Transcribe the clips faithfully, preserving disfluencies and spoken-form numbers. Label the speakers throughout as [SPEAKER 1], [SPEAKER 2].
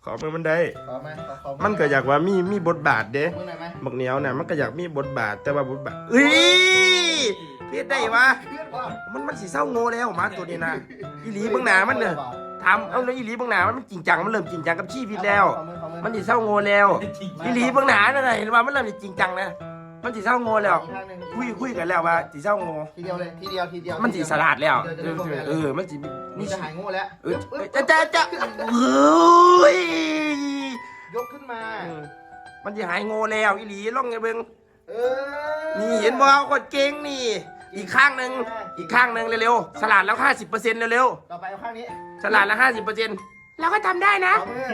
[SPEAKER 1] ขอมือมันได้
[SPEAKER 2] ขอไหมขอขอ
[SPEAKER 1] มันก็อยากว่ามีมีบทบาทเด้
[SPEAKER 2] มือหน่อยไหม
[SPEAKER 1] บักเหนียวเนี่ยมันก็อยากมีบทบาทแต่ว่าบทบาทเอ้ยเพี้ยนได้วะ
[SPEAKER 2] เพื่อนว่า
[SPEAKER 1] มันมันสีเศร้าโง่แล้วมาตัวนี้นะอีหลีเบื้องหน้ามันเนี่ยทำเอาเลยอีหลีเบื้องหน้ามันจริงจังมันเริ่มจริงจังกับชีวิตแล้ว มันสีเศร้าโง่แล้วอีหลีเบื้องหน้านั่นแหละเห็นว่ามันเริ่มจริงจังนะมันสีเศร้าโง่แล้วคุยคุยกันแล้วว่าสีเศร้าโง่
[SPEAKER 2] ทีเดียวเลยทีเดียวทีเดียว
[SPEAKER 1] มันสีสลัดแล้วเออมันสี
[SPEAKER 2] นี่จะหายโง่แล้ว
[SPEAKER 1] เออจะจะจะเฮ้ย
[SPEAKER 2] ยกขึ้นมา
[SPEAKER 1] มันจะหายโง่แล้วอีหลีล่องไงเบิ้ง
[SPEAKER 2] เออ
[SPEAKER 1] นี่เห็นบ่คนเก่งนี่ อีกข้างหนึ่งอีกข้างหนึ่งเร็วๆสลัดแล้วห้าสิบเปอร์เซ็นต์เร็ว
[SPEAKER 2] ต่อไปเอาข้างนี้
[SPEAKER 1] ๆสลัดแล้วห้าสิบเปอร์เซ็นต์เราก็ทำได้นะ
[SPEAKER 2] เอามื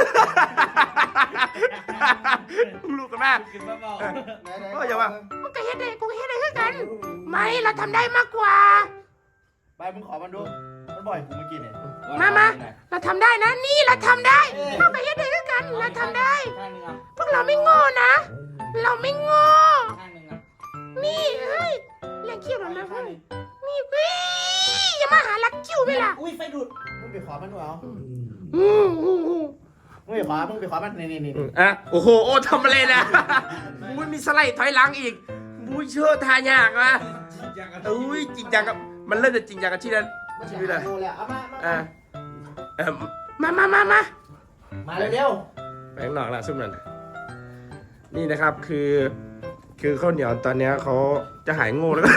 [SPEAKER 2] อ
[SPEAKER 1] ลูกกันมา
[SPEAKER 3] กินเบา
[SPEAKER 2] ไหนไหน
[SPEAKER 1] โอ้ยอย่าว่ามันก็เฮ็ดได้กูก็เฮ็ดได้คือกัน ไม่เราทำได้มากกว่า
[SPEAKER 2] ไปมึงขอมันดูมันบ่อยกูเมื่อกี้เนี่ย
[SPEAKER 3] ๆ
[SPEAKER 1] มามาเราทำได้นะนี่เราทำได้เราก็เฮ็ดได้คือกันเราทำได้
[SPEAKER 3] ข้างหนึงอ่ะ
[SPEAKER 1] พวกเราไม่โง่นะ เราไม่โง่
[SPEAKER 3] ข้างหนึงอ่ะ
[SPEAKER 1] นี่เฮ้ยเลี้ยงคิ้วเรานะเพื่อนนี่วิอย่ามาหาลักคิ้วไหมล่ะ
[SPEAKER 3] อุ้ยไฟดูด
[SPEAKER 2] มึงไปขอมันดูเอา
[SPEAKER 1] อืมอืมอืม
[SPEAKER 2] มึงไปขอมึงไปขอมันนี่นี่นี่
[SPEAKER 1] อ่ะโอ้โหโอ้ทำอะไรนะมุ้ยมีสไลด์ถอยหลังอีกมุ้ยเชื่อทายากนะอุ้ยจริงจังกับมันเริ่มจะจริงจังกับที่นั้น
[SPEAKER 2] มัน
[SPEAKER 1] ชี
[SPEAKER 2] จะ
[SPEAKER 1] วิต
[SPEAKER 2] หา
[SPEAKER 1] อะ
[SPEAKER 2] ยโง่แล้วเอามามา
[SPEAKER 1] อ่ะเออมามามามา
[SPEAKER 2] มาเร็ว
[SPEAKER 1] แบงค์หนอกละซุ่มนั่นนี่นะครับคือ คือข้าวเหนียวตอนเนี้ยเขาจะหายโง่แล้ว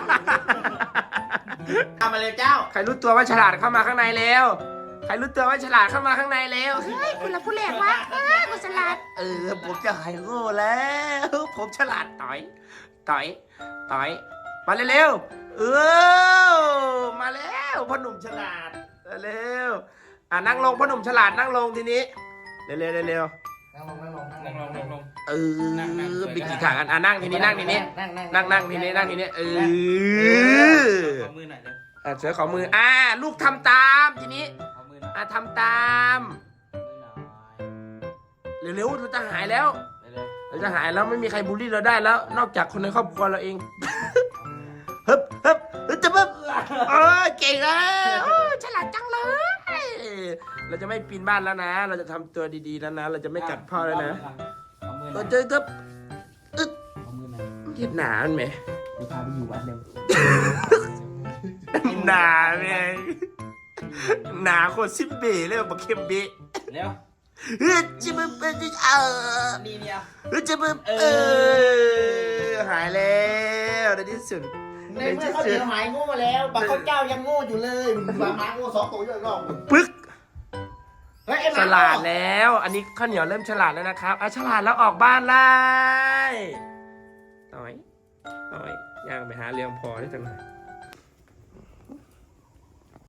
[SPEAKER 2] ๆทำมาเลยเจ้า
[SPEAKER 1] ใครรู้ตัวว่าฉลาดเข้ามาข้างในแล้ว ใครรู้ตัวว่าฉลาดเข้ามาข้างในแล้วเฮ้ยคุณละผู้แหลกวะเฮ้ยคุณฉลาดเออผมจะหายโง่แล้ว ผมฉลาดต่อยต่อยต่อยมาเร็วๆเออมาแล้วพ่อหนุ่มฉลาดเร็วอ่ะนั่งลงพ่อหนุ่มฉลาดนั่งลงทีนี้เร็วๆเร็ว
[SPEAKER 2] นั่งลงนั่งลง
[SPEAKER 3] ลงลงลงลง
[SPEAKER 1] ๆเออไปกี่ขากันอ่ะนั่งทีนี้นั่งทีนี้
[SPEAKER 2] นั่งนั่ง
[SPEAKER 1] นั่งนั่งทีนี้นั่งทีนี้เออ
[SPEAKER 3] ขอมือหน่อยเดี๋ยว
[SPEAKER 1] อ่ะเสือขอมืออ่าลูกทำตามทีนี้
[SPEAKER 3] ขอมือหน่อย
[SPEAKER 1] อ่ะทำตาม
[SPEAKER 3] มือหน่อย
[SPEAKER 1] เร็วๆเราจะหายแล้ว
[SPEAKER 3] เร็ว
[SPEAKER 1] เราจะหายแล้วไม่มีใครบูลลี่เราได้แล้ว นอกจากคนในครอบครัวเราเอง ฮึบฮึบฮึบจะบึบเออเก่งแล้วโอ้ฉลาดจังเลย เราจะไม่ปีนบ้านแล้วนะ เราจะทำตัวดีๆแล้วนะ เราจะไม่กัดพ่อแล้วนะ
[SPEAKER 3] ขอมือหน่
[SPEAKER 1] เรา
[SPEAKER 3] อย
[SPEAKER 1] จะจะอึ๊ด
[SPEAKER 3] ขอมือหน่อย
[SPEAKER 1] เห็ดหนามันไหม
[SPEAKER 3] เดี๋ยวพาไปอยู่วัดเร็ว
[SPEAKER 1] หนาแม่งหนาโคตรซิมเบ้เลยบักเข้มเบ้
[SPEAKER 3] เร็ว
[SPEAKER 1] เฮ้ยจะบึบเออเออ
[SPEAKER 3] นี่เนี่ย
[SPEAKER 1] เฮ้ยจะบึบเออหายแล้วในที่สุด
[SPEAKER 2] ในเมื่อเขาเดียวหายโง่แล้วบักเขาเจ้ายังโง่อยู่เลยบามาโง่สองตัวอยู่รอบ
[SPEAKER 1] ปึ๊ก
[SPEAKER 2] เฮ้ยไอ้ห
[SPEAKER 1] ฉ
[SPEAKER 2] มา
[SPEAKER 1] ลาดแล้ว อันนี้ข้าวเหนียวเริ่มฉลาดแล้วนะครับอ่ะฉลาดแล้วออกบ้านไล่ต่อยต่อยย่างไปหาเลี้ยงพอได้จังหน่อย